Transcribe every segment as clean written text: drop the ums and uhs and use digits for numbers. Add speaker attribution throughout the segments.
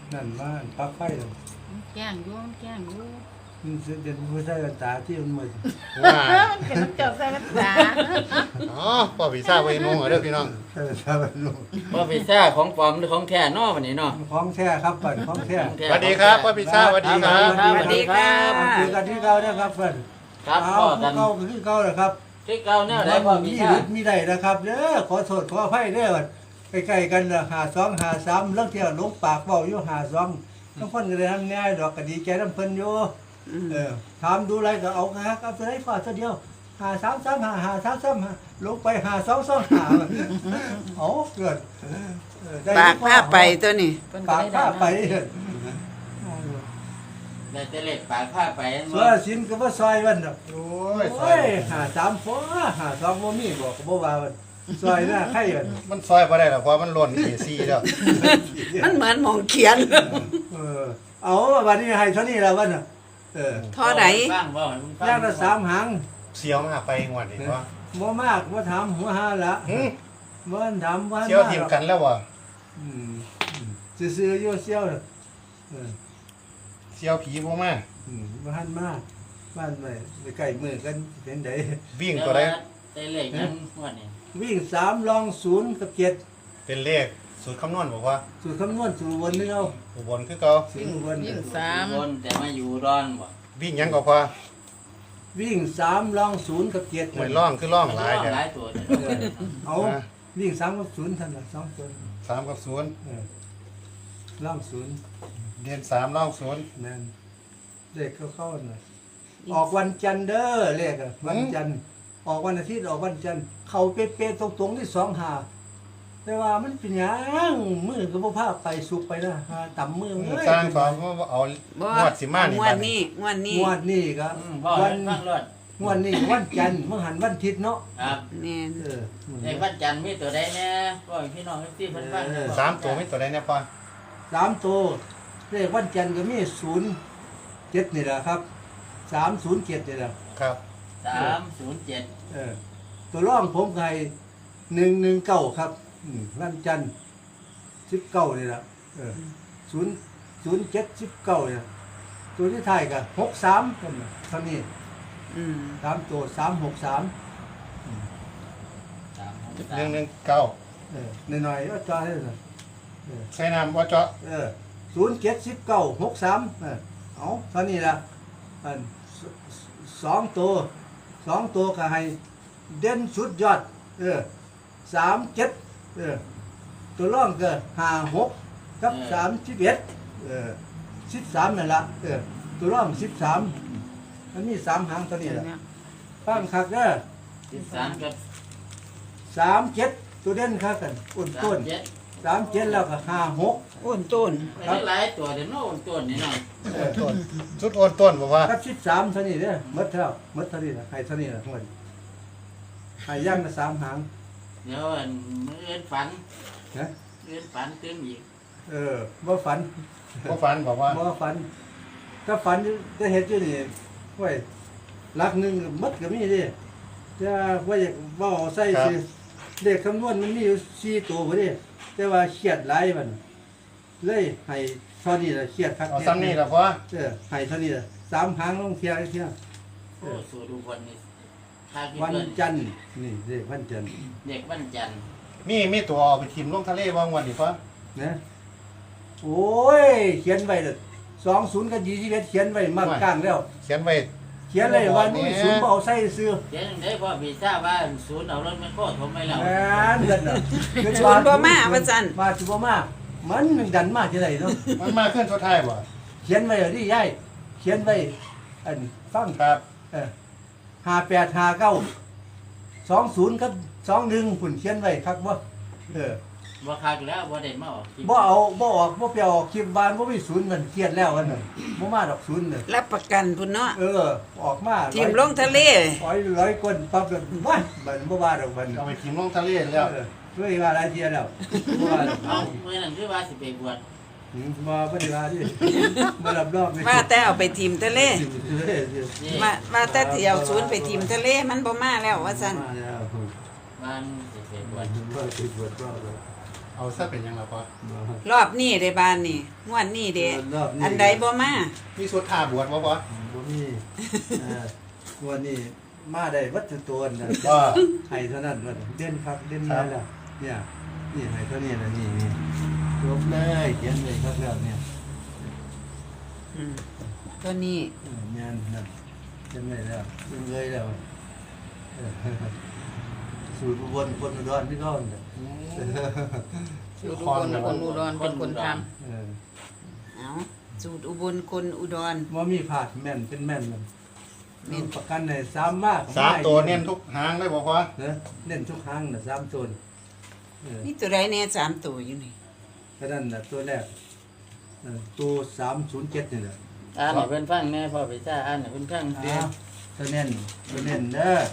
Speaker 1: นั่นว่าปลั๊กไฟเลย
Speaker 2: แกล้งอยู่มันแกล้งอยู่
Speaker 1: มันเป็นผู้ใช้กันตาที่มันมืด
Speaker 3: ว่า
Speaker 2: มันเป็นน้ำเจ้าใส่น้ำตา
Speaker 3: อ๋อพ่อพิซซ่าไว้นุ่งเด้อพี่น้อง
Speaker 1: ใช้กันตาเป็นลูก
Speaker 4: พ่อพิซซ่าของปลอมหรือของแท้เนาะวันนี้เนาะ
Speaker 1: ของแท้ครับเปิดของแท้
Speaker 4: ของแท้
Speaker 3: สวัสดีครับพ่อพิซซ่าสวัสดีครับ
Speaker 4: สวัสดีครับ
Speaker 1: คือกันที่เก่านะครับเปิด
Speaker 4: ครับพ่อกัน
Speaker 1: เก่าคือเก่าเลยครับ
Speaker 4: ที่เก่าแนวไหนพ่อพิซ
Speaker 1: มี
Speaker 4: ซ่า
Speaker 1: ฤทธิ์มีได้นะครับเด้อขอโทษขออภัยเด้อใกล้ๆกันละ52 53เรื่องเที่ยวลงปากเว้าอยู่52ทั้งคนก็เลยทำง่ายดอกก็ดีใจนำเพิ่นอยู่ถามดูอะไรก็เอาครับเอาไปได้ฟาดเดียว5335553ลงไป5225เอาเกิดได้
Speaker 5: ปากผ้าไปตัวนี้
Speaker 2: เพิ่น
Speaker 1: ปากผ้าไป
Speaker 4: ได้แต่เล็กปากผ้าไป
Speaker 1: สวยสินก็บ่ซอยวันดอก
Speaker 3: โอ้ยซ
Speaker 1: โอ้
Speaker 3: อย
Speaker 1: ย53พอ52บ่มีบอกก็บ่ว่าวันซอยหน้าไข่กัน
Speaker 3: มันซอยบ่ได้หรอกเพราะมันหล่นACแล้ว
Speaker 5: มันเหมือนหมองเขียน
Speaker 1: เอาวันนี้ให้เท่านี้แล้ววันน่ะ
Speaker 5: เท่าไหน
Speaker 4: ฟังบ่ให้มึงฟัง
Speaker 1: ย่างละ3หาง
Speaker 3: เสียวมาไปงวดนี้ว่า
Speaker 1: บ่มากบ่ถามหัวหาละ
Speaker 3: หึ
Speaker 1: บ่ถามว่า
Speaker 3: เสียวทีมกันแล้วบ่
Speaker 1: ซื่อๆอยู่เสียวน่ะ
Speaker 3: เสียวผีบ่มา
Speaker 1: บ่ทันมาบ้านไปใกล้มือกันเป็นได
Speaker 3: วิ่งตัวใด
Speaker 4: แต่เล็กยังวันนี้
Speaker 1: วิ่ง3ลอง0กับ7
Speaker 3: เป็นเลขสูตรคำนวณบอกว่า
Speaker 1: สูตรคำนวณสูตรวนนี่เอา
Speaker 3: อุบลคือเก่า
Speaker 1: สูตรวน
Speaker 2: ยิ่งสาม
Speaker 4: คนแต่มาอยู่ร้อนบ่
Speaker 3: วิ่งหยังก็พอ
Speaker 1: วิ่ง3ลอง0กับ7
Speaker 3: หวยร่องคือร่องหลาย
Speaker 4: ห
Speaker 3: แท้
Speaker 4: ลายตัวเนี่ย
Speaker 1: เอาวิ่ง3กับ0ท่านน่ะ2ตัว
Speaker 3: 3กับ0
Speaker 1: ลอง0
Speaker 3: เดือน3ร่อง0
Speaker 1: นั่นเลขเข้าๆน่ะออกวันจันทร์เด้อเลขอะวันจันทร์ออกวันอาทิตย์ออกวันจันทร์เข้าเป๊ะๆตรงๆที่2หาแต่ว่ามันเป็นหยังมือก็บ่พาไปสุกไปนะหาต่ำมือเอ้ย
Speaker 3: สร้างสองก็เอางวดสิมานี่
Speaker 5: งว
Speaker 3: บั
Speaker 5: ด
Speaker 3: ด
Speaker 5: นี้งวดนี้
Speaker 1: งวดนี้ก็
Speaker 4: บ่
Speaker 1: วั
Speaker 4: ให้ฟังรถ
Speaker 1: งวดนี้วันจันทร์เมื่อหันวันอาทิตย์เนาะ
Speaker 4: ครับ
Speaker 5: แน่น
Speaker 4: ในวันจันทร์มีตัวใดแน่บ่ให้พี่น้องที่เพิ่นฟัง
Speaker 3: สามตัวมีตัวใดเนี่ยพ่อ
Speaker 1: 3ตัวเลขวันจันทร์ก็มี07นี่แหละครับ307นี่แหละ
Speaker 3: ครับ
Speaker 4: 307
Speaker 1: ตัวร่องผมไง119ครับวันจันทร์19นี่แหละ00719เนี่ยตัวที่ท้ายก็63กันน่ะเท่านี้
Speaker 5: อืม
Speaker 1: 3ตัว363
Speaker 3: 119
Speaker 1: หน่อยๆก็จอให้หน่อย
Speaker 3: ใส่น้ำบ่เจาะ
Speaker 1: 071963เอาเท่านี้ละอัน2ตัวก็ให้เด่นสุดยอด37ตัวร่องก็56กับ31 13นั่นละตัวร่อง13มันมี3หางเท่านี้ละฟังคักเด้อ
Speaker 4: 13กับ
Speaker 1: 37ตัวเด่นคักกันอ้นต้น
Speaker 4: 37
Speaker 1: 37แล้วก็56
Speaker 5: อ้วนต้น
Speaker 4: หลายตัวเดี๋ยวโน่นตัวนี่เนาะ
Speaker 3: ต้นชุดโอนต้นบอกว่า
Speaker 1: กับ13เท่านี้เด้อหมดแล้วหมดเท่านี้ล่ะให้เท่านี้ล่ะทั้งหมดให้ย่างละ3หาง
Speaker 4: เดี๋ยวอันมื้ออื่นฝัน
Speaker 1: นะ
Speaker 4: มื้ออื่นฝันตื่นอีก
Speaker 1: บ่ฝัน
Speaker 3: พ่อฝันบอกว่า
Speaker 1: บ่ฝันถ้าฝันจะเฮ็ดอยู่นี่ไว้หลักหนึงหมดก็มีเด้จะว่าอยากเว้าใส่สิเลขคำนวณมันมีอยู่4ตัวบ่เด้แต่ว่าเครียดหลายมันเลยให้เท่านี้ล่ะเครียดคัก
Speaker 3: เอาซ้ำนี่ละพ่อ
Speaker 1: ให้เท่านี้ล่ะ3หางลงเที่ยเที่ย
Speaker 4: โอ้สู่ดูคนนี่ถ้าคิด
Speaker 1: วัน
Speaker 4: เพิ่น
Speaker 1: จันทร์นี่เลขวันจันทร์
Speaker 4: เด็กวันจันทร์
Speaker 3: มีตัวเอาไปทิมลงทะเลบ้างวันนี้พ่อ
Speaker 1: นะโอ้ยเขียนไว้เลย20กับ21เขียนไว้มากกลางแล้ว
Speaker 3: เขียนไว้
Speaker 1: เขียนเลยว่านี่ศูนย์บ่เอาใส่ซื้อ
Speaker 4: เดี๋ยวจังได้พ่อพี่ทราบว่าศูนย์เอารถแม่โคถมไปแล้ว
Speaker 1: แม่นเด้อน่ะ
Speaker 5: ชวนบ่มาว่าซั่น
Speaker 1: มาสิบ่มามันดันมาจังไดเนาะ
Speaker 3: มันมาขึ้นสุดท้ายบ่
Speaker 1: เขียนไว้ดิยายเขียนไว้อันฟัง
Speaker 3: ครับ
Speaker 1: 5859 20กับ21พุ่นเขียนไว้คักบ่
Speaker 4: บ่คักแล้วบ่ได้มาออกคลิป
Speaker 1: บ่เอาบ่ออกบ่ไปออกคลิปบ้านบ่มีศูนย์มันเครียดแล้วอันน่ะบ่มาดอกศูนย์น่ะ
Speaker 5: รับประกันพุ่นเนาะ
Speaker 1: ออกมา
Speaker 5: ทีมลงทะเล
Speaker 1: ร้อยคนปั๊บเลยว้ายมันบ่ว่าดอกมัน
Speaker 3: เอาไปทิมลงทะเลแล้ว
Speaker 1: ช่วยว่าหลายเที่ยแล้วบ่ว่าดอก
Speaker 4: เอามื้อนั้นคือว่าสิไปบวช
Speaker 1: บ่ได้ว่าดิบ่รับรอง
Speaker 5: ว่าแต่เอาไปทีมทะเล
Speaker 4: นี่
Speaker 5: ว่าแต่สิเอาศูนย์ไปทีมทะเลมันบ่มาแล้วว่าซั่น
Speaker 4: บ้านสิไปบวช
Speaker 1: บ่สิบวชรอบแล้ว
Speaker 3: เอาซะเป็นหยังล่ะพ่อ
Speaker 5: รอบนี้ได้บ้านนี่งวดนี้เด้
Speaker 1: รอบนี้
Speaker 5: อันใดบ่มา
Speaker 3: มีสุดท่าบวชบ่พ่อ
Speaker 1: บ่มีวันนี้มาได้วัตถุตัวน่ะ
Speaker 3: ว่า
Speaker 1: ให้เท่านั้นว่าเด่นครับเด่นได้แล้วเนี่ยนี่ให้เท่านี้นะนี่จบเลยเขียนเลยครับแล้วเนี่ย
Speaker 5: อืมตัวนี้
Speaker 1: งานนั่นเขียนเลยแล้วยังเลยแล้วสูตรอุบลคนอุดรพี่น้องเนี่ย
Speaker 2: อยู่ทุกคนคนอุดรเป็นคนท
Speaker 5: เอาสูตรอุบลคนอุดร
Speaker 1: ว่ามีผาดแม่นเป็นแม่นมัน
Speaker 5: แม่น
Speaker 1: ประกันในซ้ำมาก
Speaker 3: สามตัวเน้นทุกหางเลยบ่พ่อ
Speaker 1: เน้นทุกครั้งนะซ้ำตัว
Speaker 5: นี่ตัวใดแน่3ตัวอยู่นี่
Speaker 1: ก็นั่นนะตัวแรกตัว307นี่แหละ
Speaker 4: อ่านให้เพิ่นฟังแน่พ่อพี่จ้าอ่านให้เพิ่นฟัง
Speaker 1: ตัวเน้นเด้อ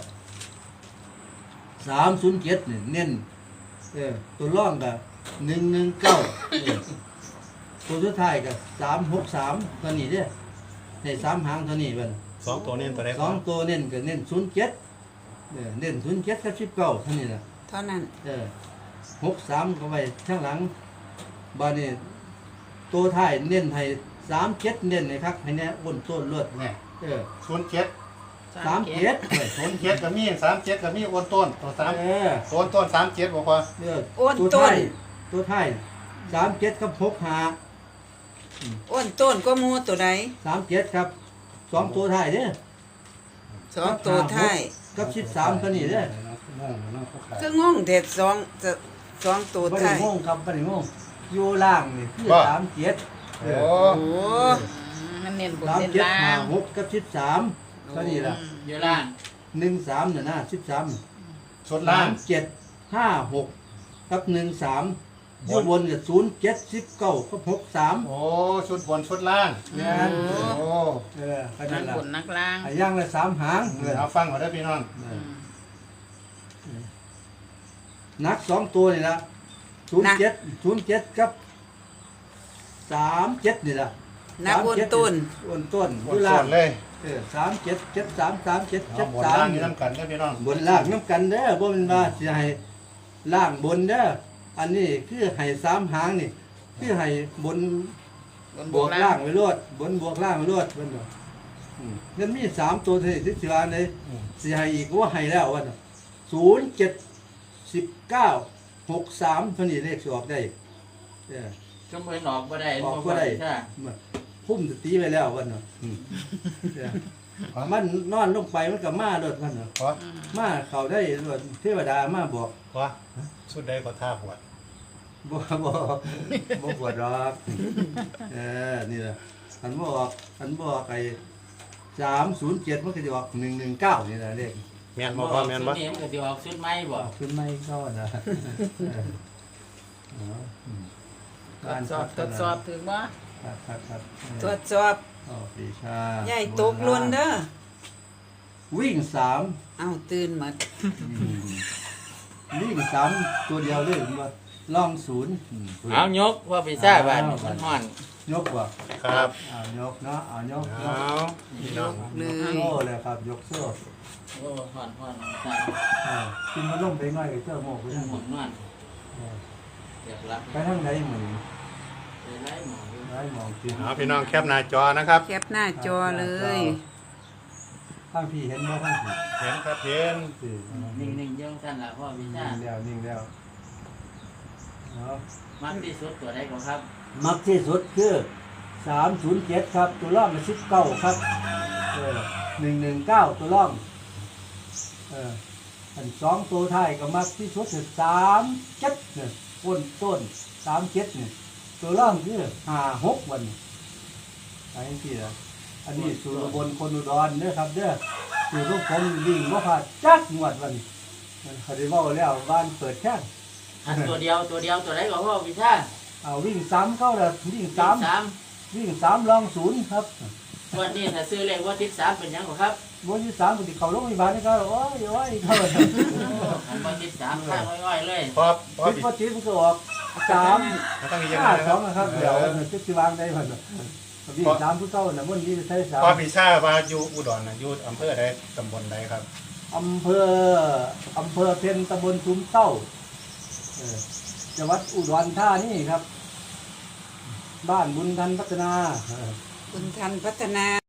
Speaker 1: 307นี่เน้นตัวร่องกับ119ตัวสุดท้ายกับ363ตัวนี้เด้อใน3หางตัวนี้เบิ่น
Speaker 3: สองตัวเน้นตัวใด
Speaker 1: ส
Speaker 3: พ่
Speaker 1: อ
Speaker 3: อง
Speaker 1: ตัวเน้นก็เน้น07เน้น07กับ19เท่านี้ล่ะ
Speaker 5: เท่านั้น
Speaker 1: 63ก็ไว้ข้างหลังบาดนี้ตัวท้ายเน้นให้37เน้นให้คักให้แน่อ้นต้นเลือด
Speaker 3: เนี่ย
Speaker 1: เออ
Speaker 3: 07
Speaker 2: ำ
Speaker 1: 37เอ้ย
Speaker 3: 07ก็มี37ก็มีโอนต้นตัว3
Speaker 1: เออ
Speaker 3: โอนต้น37บ่พ่อ
Speaker 1: เออ
Speaker 5: โอ้น
Speaker 1: ตัว
Speaker 5: ต้
Speaker 1: ท้าน ยตัวท้าย37กับ65
Speaker 5: โอ้นต้นก็หมู่ตัวใด
Speaker 1: 37ครับสองตัวท้ายเด้อ
Speaker 5: สองตัวท้าย
Speaker 1: กับ13ตัวนี้เด้อ
Speaker 5: คืองงแต่สองตัว
Speaker 1: บ่ได้
Speaker 5: ท้าย
Speaker 1: งงครับบ่ได้งงอยู่ล่างนี่คือ37
Speaker 3: โอ้
Speaker 5: โอ้
Speaker 2: มันเน้นบนเน้น
Speaker 1: 37
Speaker 2: ล่าง
Speaker 1: 56กับ13ตัวนี้ล่ะ
Speaker 4: อยู่ล่าง
Speaker 1: 13น่ะนะ13
Speaker 3: สุดล่าง
Speaker 1: 3756กับ13อยู่บนกับ079กับ63
Speaker 3: โอ้ชุดบนชุดล่าง
Speaker 1: งาน
Speaker 3: โอ้
Speaker 1: ก็
Speaker 2: นั
Speaker 1: นั่
Speaker 2: ก
Speaker 1: นล่ะ
Speaker 2: บนนักล่าง
Speaker 1: ให้ย่างละ3หาง
Speaker 3: เอาฟังก่อนเด้อพี่น้อง
Speaker 1: นัก2ตัวนี่ล่ะ07กับ37นี่ล่ะ
Speaker 5: นักโอนต้น
Speaker 1: อ้วนต้น
Speaker 3: โอ
Speaker 1: อยู่
Speaker 3: น
Speaker 1: ล่า
Speaker 3: ส่
Speaker 1: ง
Speaker 3: วนเลย
Speaker 1: 37 73 37
Speaker 3: เอาบนล่างนี่
Speaker 1: 73
Speaker 3: น้ำกันเด้อพี่น้อง
Speaker 1: บนล่างน้ำกันเด้อบ่แม่นว่าสิให้ล่างบนเด้ออันนี้คือให้3หางนี่คือให้บน
Speaker 2: บน
Speaker 1: บบ ว
Speaker 2: ว
Speaker 1: ก
Speaker 2: ก
Speaker 1: ล่า
Speaker 2: ล่าง ง
Speaker 1: ไปรวดบนบวกล่างไปรวดเพิ่นว่านั่นมี3ตัวที่สิว่าในสิให้อีกว่าให้แล้วว่า0 7 19 63เท่านี้เลขสิออกได้เออ
Speaker 4: ก็เพิ่นออกบ่ได้
Speaker 1: ออก
Speaker 4: พ่
Speaker 1: บ่
Speaker 4: อ
Speaker 1: ได้
Speaker 4: พี่จ้า
Speaker 1: พุ่มสติไว้แล้วว่าเนาะเออมันนอนลงไปมันก็มาโดดว่าเนาะ
Speaker 3: พ่อ
Speaker 1: มาเข้าได้โดดเทวดามาบอก
Speaker 3: พ่อชุดใดก็ท่าบวช
Speaker 1: บ่ปวดหรอกนี่แหละอันบอกไอ้307มันก็จะออก119นี่แหละเลข
Speaker 3: แม่นบ่พ่อแม่นบ่
Speaker 4: ชุดนี้มันก็สิออกชุดใหม่บ่
Speaker 1: ขึ้นไม่ก็นะ
Speaker 2: ตรวจสอบถึงว่า
Speaker 1: ครับ
Speaker 5: ตรวจสอบ
Speaker 1: ปีชา
Speaker 5: ใหญ่ตกหล่นเด้อ
Speaker 1: วิ่ง3
Speaker 5: เอาตื่นหมด
Speaker 1: วิ่ง3ตัวเดียวเลยว่าล่อง0
Speaker 4: เอายกพ่อพี่จ้าบาดนี้มันฮ้อน
Speaker 1: ยกว่ะ
Speaker 3: ครับ
Speaker 1: ยกเนาะยก
Speaker 3: เอาพี่น้อง
Speaker 5: เลย
Speaker 1: โซ่เลยครับยกโซ่
Speaker 4: โอ้ฮ้อนจ้า
Speaker 1: กินมาล่มไปหน่อยเจ้าโมกไป
Speaker 4: เพิ่น
Speaker 1: ทาง
Speaker 4: หมุนนอนเรียบรับ
Speaker 1: ไปทางไหนเหมือน
Speaker 4: ไปไล่หมออยู่
Speaker 1: ได้มองกิน
Speaker 3: เอาพี่น้องแคปหน้าจอนะครับ
Speaker 5: แคปหน้าจอเลย
Speaker 1: ข้างพี่เห็นไหมข้างพี่
Speaker 3: เห็นครับเห็น
Speaker 4: นิ่งๆเยี่ยงท่านล่ะพ่อพี่จ้า
Speaker 1: นิ่งแล้วเนาะ
Speaker 4: มักที่สุดตัวใดก็ครับ
Speaker 1: มักที่สุดคือ307ครับตัวล่องกับ19ครับ119ตัวล่องอัน2ตัวท้ายก็มักที่สุดคือ37เนี่ยต้น37เนี่ยตัวล่องคือ56วันไปที่ละอันนี้สูตรบนคนอุดรเด้อครับเด้อสูตรลูกผมวิ่งบ่พลาดจักงวดวันเขาได้เว้าแล้วบ้านเปิดแค่
Speaker 4: อันตัวเดียวตัวใดก็พ่อพี่จ้า
Speaker 1: เอาวิ่ง3เข้าแล้ววิ่ง
Speaker 4: สาม
Speaker 1: 3วิ่ง3ลอง0ครับ
Speaker 4: วันนี้ถ้าซื้อเลขว่าทิศ3เป็นหยังก็ครับ
Speaker 1: บ่อยู่3ก็สิเข้าโรงพยาบาลนี่ก็โอ้ยเข้า
Speaker 4: อันว่าทิศ3ข้างง่อยๆเลย
Speaker 3: พ่อพ่อ
Speaker 1: คิด
Speaker 3: พี่
Speaker 1: ว่าจิตมันก็ออก3
Speaker 3: มันต้องมีอย่างนั้นนะค
Speaker 1: 5
Speaker 3: รับ
Speaker 1: 2นะครับเดี๋ยวจะสิวางได้เพิ่นวิ่ง3ผู้เก่าน่ะมันนี่ใช้
Speaker 3: พ่อ
Speaker 1: 3
Speaker 3: พี่ชาว่าอยู่อุดรน่ะอยู่อำเภอใดตำบลใดครับ
Speaker 1: อำเภอเพ็ญตำบลซุ้มเต้าจังหวัดอุดรธานีครับ บ้านบุญทันพัฒนา
Speaker 5: คุณทันพัฒนา